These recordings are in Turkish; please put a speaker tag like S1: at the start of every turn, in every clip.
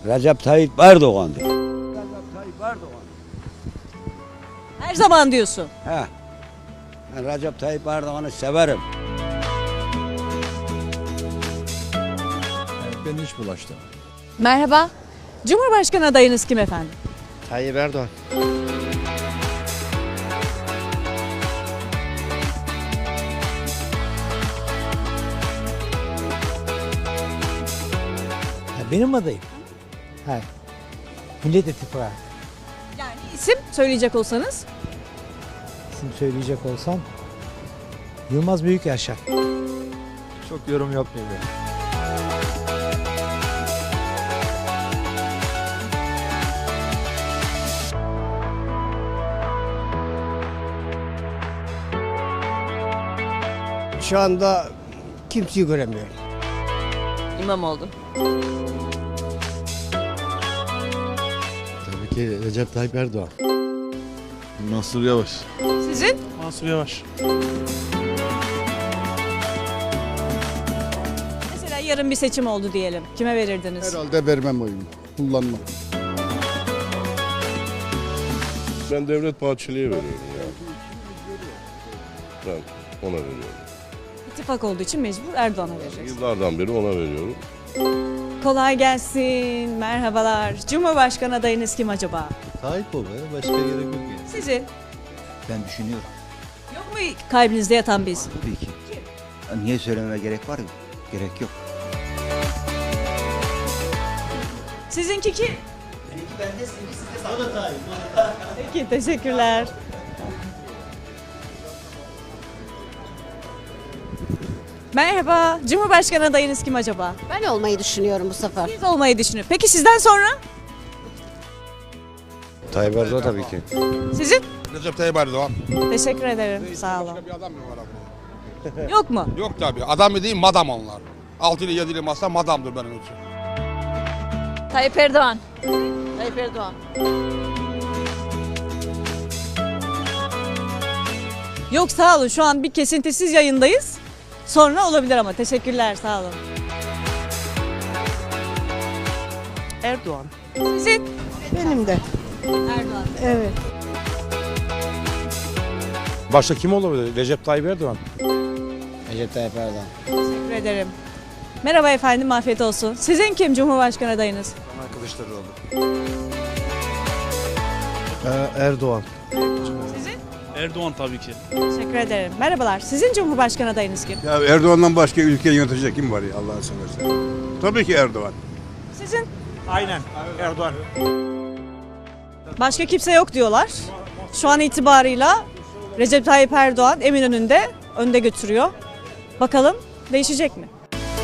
S1: Recep Tayyip Erdoğan diyor. Recep Tayyip Erdoğan.
S2: Her zaman diyorsun.
S1: He. Ben Recep Tayyip Erdoğan'ı severim.
S3: Ben hiç bulaştım.
S2: Merhaba. Cumhurbaşkanı adayınız kim efendim?
S4: Tayyip Erdoğan.
S5: Benim adayım. Ha. Millet İttifakı.
S2: Yani isim söyleyecek olsanız.
S5: İsim söyleyecek olsam Yılmaz Büyükyaşar.
S3: Çok yorum yapmayayım ya.
S4: Şu anda kimseyi göremiyorum.
S2: İmamoğlu.
S6: Tabii ki Recep Tayyip Erdoğan. Mansur Yavaş.
S2: Sizin?
S7: Mansur Yavaş.
S2: Mesela yarın bir seçim oldu diyelim. Kime verirdiniz?
S6: Herhalde vermem oyumu. Kullanmam.
S8: Ben Devlet Bahçeli'ye veriyorum ya. Ben ona veriyorum.
S2: İttifak olduğu için mecbur Erdoğan'a vereceksiniz.
S8: Yıllardan beri ona veriyorum.
S2: Kolay gelsin. Merhabalar. Cumhurbaşkanı adayınız kim acaba?
S3: Tayyip ol be. Başka gerek yok yani.
S2: Sizin?
S9: Ben düşünüyorum
S2: Yok mu kalbinizde yatan bir isim?
S9: tabii ki. Niye söylememe gerek var? Gerek yok.
S2: Sizinki kim? Peki teşekkürler. Merhaba. Cumhurbaşkanı adayınız kim acaba?
S10: Ben olmayı düşünüyorum bu sefer.
S2: Siz olmayı düşünün. Peki sizden sonra?
S1: Tayyip Erdoğan tabii ki.
S2: Sizin?
S11: Recep Tayyip Erdoğan.
S2: Teşekkür ederim. Sağ olun.
S11: Bir adam mı var abi?
S2: Yok mu?
S11: Yok tabii. Adam mı değil, madam onlar. 6 ile 7 ile masa madamdır benim için.
S2: Tayyip Erdoğan. Tayyip Erdoğan. Yok sağ olun. Şu an bir kesintisiz yayındayız. Sonra olabilir ama. Teşekkürler. Sağ olun.
S7: Erdoğan.
S2: Sizin?
S10: Benim de.
S2: Erdoğan.
S10: Evet.
S7: Başka kim olabilir? Recep Tayyip Erdoğan.
S1: Recep Tayyip Erdoğan.
S2: Teşekkür ederim. Merhaba efendim. Afiyet olsun. Sizin kim Cumhurbaşkanı adayınız?
S6: Erdoğan.
S2: Sizin?
S7: Erdoğan tabii ki.
S2: Teşekkür ederim. Merhabalar. Sizin Cumhurbaşkanı adayınız kim?
S6: Ya Erdoğan'dan başka ülkeyi yönetecek kim var ya Allah'ını seversen. Tabii ki Erdoğan.
S2: Sizin?
S7: Aynen. Erdoğan.
S2: Başka kimse yok diyorlar. Şu an itibarıyla Recep Tayyip Erdoğan Eminönü'nde önde götürüyor. Bakalım değişecek mi?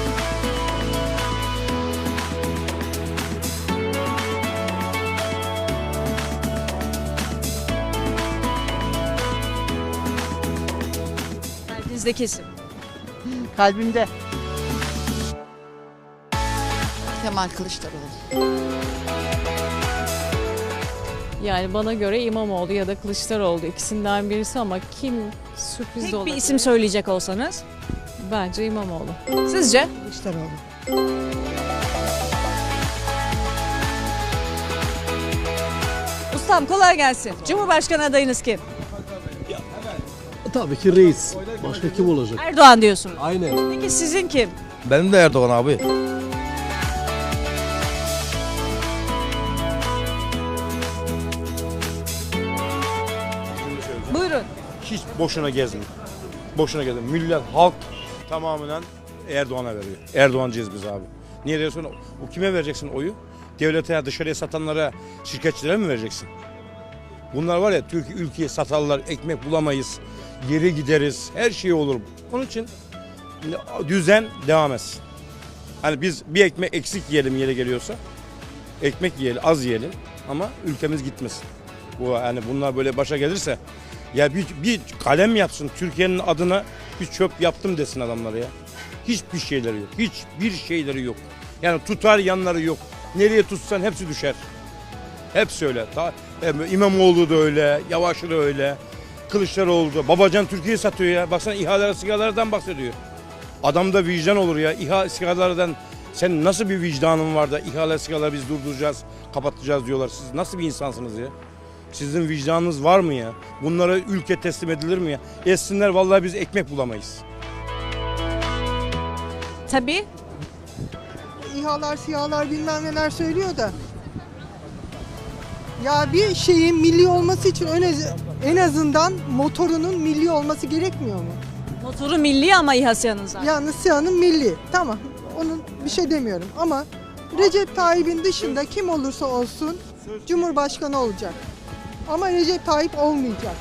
S2: Kalbinizdeki isim.
S10: Kalbimde. Kemal Kılıçdaroğlu.
S12: Yani bana göre İmamoğlu ya da Kılıçdaroğlu ikisinden birisi ama kim sürpriz de
S2: Tek bir
S12: olabilir.
S2: isim söyleyecek olsanız.
S12: Bence İmamoğlu.
S2: Sizce?
S10: Kılıçdaroğlu.
S2: Ustam kolay gelsin. Cumhurbaşkanı adayınız kim?
S6: Tabii ki reis. Başka kim olacak?
S2: Erdoğan diyorsunuz.
S6: Aynen.
S2: Peki sizin kim?
S7: Benim de Erdoğan abi.
S2: Buyurun.
S7: Hiç boşuna gezmeyin. Boşuna gezmeyin. Millet, halk tamamen Erdoğan'a veriyor. Erdoğancıyız biz abi. Niye diyorsun? O kime vereceksin oyu? Devlete, dışarıya satanlara, şirketçilere mi vereceksin? Bunlar var ya, ülkeyi satarlar, ekmek bulamayız, geri gideriz, her şey olur. Onun için düzen devam etsin. Hani biz bir ekmek eksik yiyelim yere geliyorsa, ekmek yiyelim, az yiyelim ama ülkemiz gitmesin. Bu yani bunlar böyle başa gelirse ya bir kalem yapsın Türkiye'nin adına, bir çöp yaptım desin adamlara ya. Hiçbir şeyleri yok. Hiçbir şeyleri yok. Yani tutar yanları yok. Nereye tutsan hepsi düşer. Hepsi öyle. İmamoğlu da öyle, Yavaş da öyle, Kılıçdaroğlu da. Babacan Türkiye'yi satıyor ya. Baksana ihaleler, sigaralardan bahsediyor. Adamda vicdan olur ya. İHA sigaralardan Senin nasıl bir vicdanın var da ihale sigala biz durduracağız, kapatacağız diyorlar. Siz nasıl bir insansınız ya? Sizin vicdanınız var mı ya? Bunlara ülke teslim edilir mi ya? Etsinler vallahi biz ekmek bulamayız.
S2: Tabii.
S10: İHA'lar, SİHA'lar bilmem neler söylüyor da. Ya bir şeyin milli olması için en azından motorunun milli olması gerekmiyor mu?
S2: Motoru milli ama İHA SİHA'nın zaten.
S10: Yani SİHA'nın milli. Tamam. Onun bir şey demiyorum ama Recep Tayyip'in dışında kim olursa olsun Cumhurbaşkanı olacak. Ama Recep Tayyip olmayacak.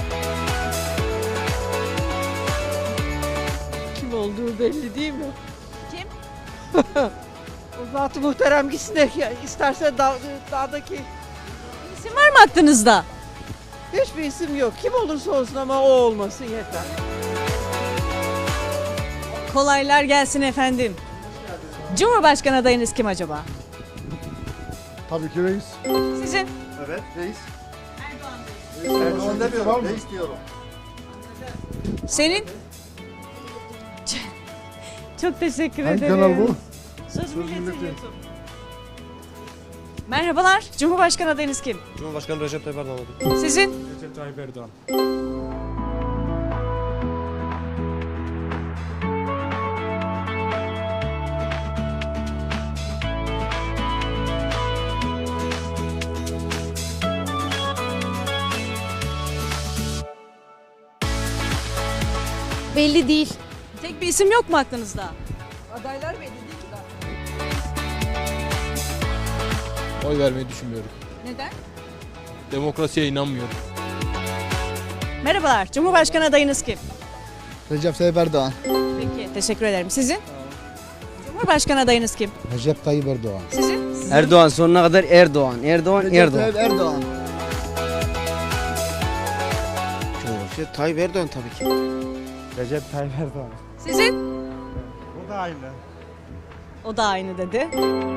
S10: Kim olduğu belli değil mi?
S2: Kim?
S10: O Zat-ı Muhterem gitsin de isterse dağdaki
S2: İsim var mı aklınızda?
S10: hiçbir isim yok. Kim olursa olsun ama o olmasın yeter.
S2: Kolaylar gelsin efendim. Cumhurbaşkanı adayınız kim acaba?
S3: Tabii ki reis.
S2: Sizin?
S3: Evet reis.
S2: Erdoğan
S3: demiyorum, reis diyorum.
S2: Senin? Çok teşekkür
S3: Hangi
S2: ederim.
S3: kanal bu?
S2: Söz Milletin YouTube. Merhabalar. Cumhurbaşkanı adayınız kim?
S7: Cumhurbaşkanı Recep Tayyip Erdoğan.
S2: Sizin?
S7: Recep Tayyip Erdoğan.
S12: Belli değil.
S2: Tek bir isim yok mu aklınızda?
S10: Adaylar belli değil ki daha.
S3: Oy vermeyi düşünmüyorum.
S2: Neden?
S3: Demokrasiye inanmıyorum.
S2: Merhabalar. Cumhurbaşkanı adayınız kim?
S4: Recep Tayyip Erdoğan.
S2: Peki. Teşekkür ederim. Sizin? Cumhurbaşkanı adayınız kim?
S5: Recep Tayyip Erdoğan.
S2: Sizin?
S4: Erdoğan sonuna kadar Erdoğan. Erdoğan.
S9: Erdoğan.
S4: Recep Tayyip Erdoğan tabii ki.
S5: Recep Tayyip Erdoğan.
S2: Sizin?
S5: O da aynı.
S2: O da aynı dedi.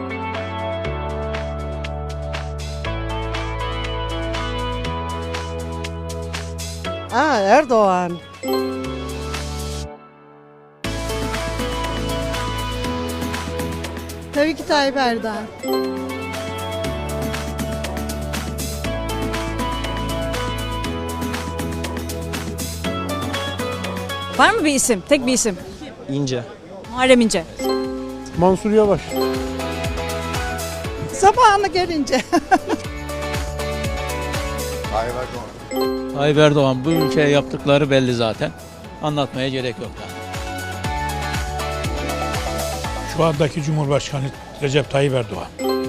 S10: Erdoğan. Tabii ki Tayyip Erdoğan.
S2: Var mı bir isim? Tek bir isim.
S5: İnce.
S2: Muharrem İnce.
S3: Mansur Yavaş.
S10: Zamanı gelince.
S5: Tayyip Erdoğan bu ülkeye yaptıkları belli zaten. Anlatmaya gerek yok daha.
S11: Şu andaki Cumhurbaşkanı Recep Tayyip Erdoğan.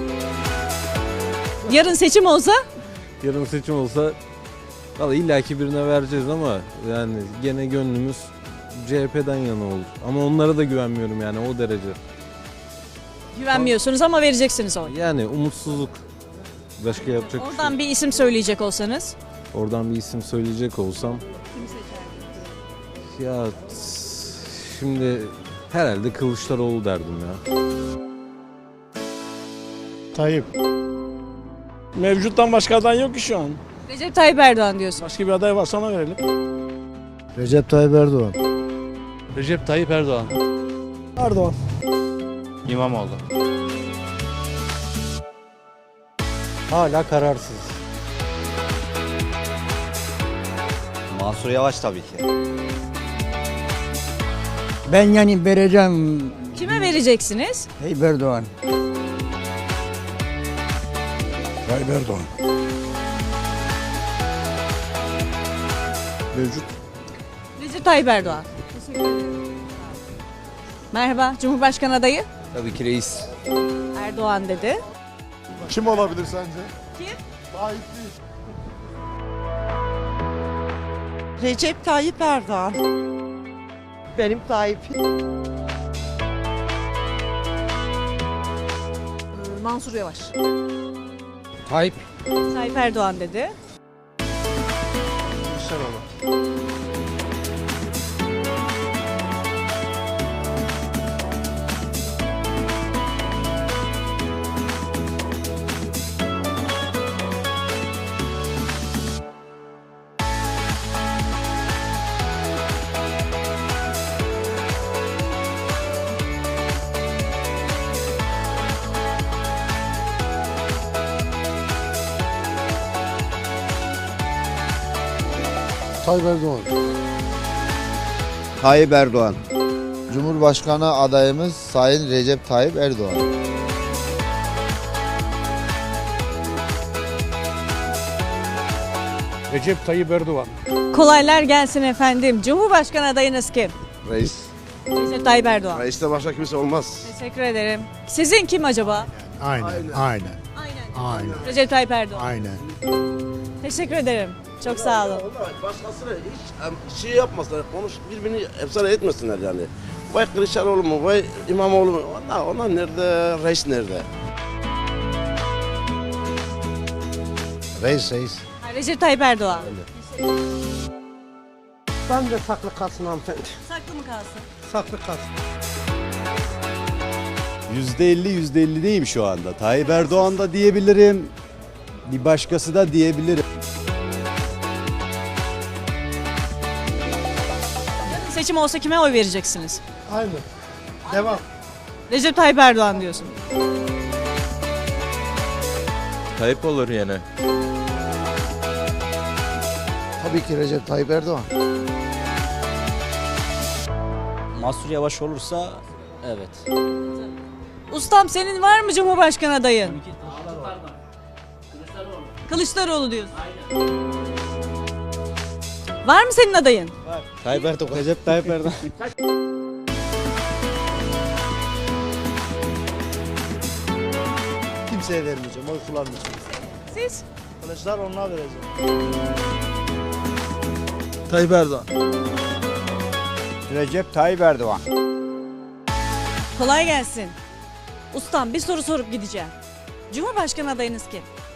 S2: Yarın seçim olsa
S3: Yarın seçim olsa valla illaki birine vereceğiz ama yani gene gönlümüz CHP'den yana olur. Ama onlara da güvenmiyorum yani o derece.
S2: güvenmiyorsunuz ama vereceksiniz oy.
S3: Yani umutsuzluk. Başka yapacak bir şey
S2: Oradan
S3: yok.
S2: bir isim söyleyecek olsanız.
S3: Oradan bir isim söyleyecek olsam. Ya şimdi herhalde Kılıçdaroğlu derdim ya.
S11: Tayyip. Mevcuttan başka aday yok ki şu an.
S2: Recep Tayyip Erdoğan diyorsun.
S11: Başka bir aday varsa ona verelim.
S5: Recep Tayyip Erdoğan.
S3: Recep Tayyip Erdoğan.
S5: Erdoğan.
S3: İmamoğlu.
S5: Hala kararsız.
S9: Mansur Yavaş tabii ki.
S4: Ben yani vereceğim
S2: Kime vereceksiniz?
S4: Tayyip Erdoğan.
S6: Tayyip Erdoğan.
S3: Mevcut.
S2: Recep Tayyip Erdoğan. Merhaba, Cumhurbaşkanı adayı
S3: Tabii ki reis.
S2: Erdoğan dedi.
S3: Kim olabilir sence?
S2: Kim?
S3: Tayyip değil.
S10: Recep Tayyip Erdoğan. Benim Tayyip.
S2: Mansur Yavaş.
S3: Tayyip.
S2: Tayyip Erdoğan dedi.
S11: Tayyip Erdoğan.
S1: Tayyip Erdoğan.
S9: Cumhurbaşkanı adayımız Sayın Recep Tayyip Erdoğan.
S11: Recep Tayyip Erdoğan.
S2: Kolaylar gelsin efendim. Cumhurbaşkanı adayınız kim?
S8: Reis.
S2: Recep Tayyip Erdoğan.
S8: Reiste başka kimse olmaz.
S2: Teşekkür ederim. Sizin kim acaba?
S11: Aynen.
S2: Recep Tayyip Erdoğan.
S11: Aynen.
S2: Teşekkür ederim. Çok sağ olun.
S8: Başkasına hiç şey yapmasınlar, birbirini efsane etmesinler yani. Vay Kılıçdaroğlu mu, vay İmamoğlu mu? Onlar nerede, reis nerede?
S11: Reis.
S2: Recep Tayyip Erdoğan.
S4: Ben de saklı kalsın hanımefendi.
S2: Saklı mı kalsın?
S4: Saklı kalsın.
S1: %50 %50'deyim şu anda. Tayyip Erdoğan da diyebilirim. Bir başkası da diyebilirim.
S2: Yarın seçim olsa kime oy vereceksiniz?
S11: Aynen. Devam.
S2: Recep Tayyip Erdoğan diyorsun.
S3: Tayyip olur yine.
S11: Tabii ki Recep Tayyip Erdoğan.
S1: Mansur Yavaş olursa evet.
S2: Ustam senin var mı Cumhurbaşkanı adayın? Kılıçdaroğlu diyorsun. Var mı senin adayın?
S1: Tayyip Erdoğan. Recep Tayyip Erdoğan.
S4: Kimseye vermeyeceğim, oy kullanmayacağım.
S2: Siz?
S4: Kılıçdaroğlu'na vereceğim.
S3: Tayyip Erdoğan.
S1: Recep Tayyip Erdoğan.
S2: Kolay gelsin. Ustam bir soru sorup gideceğim. Cumhurbaşkanı adayınız kim?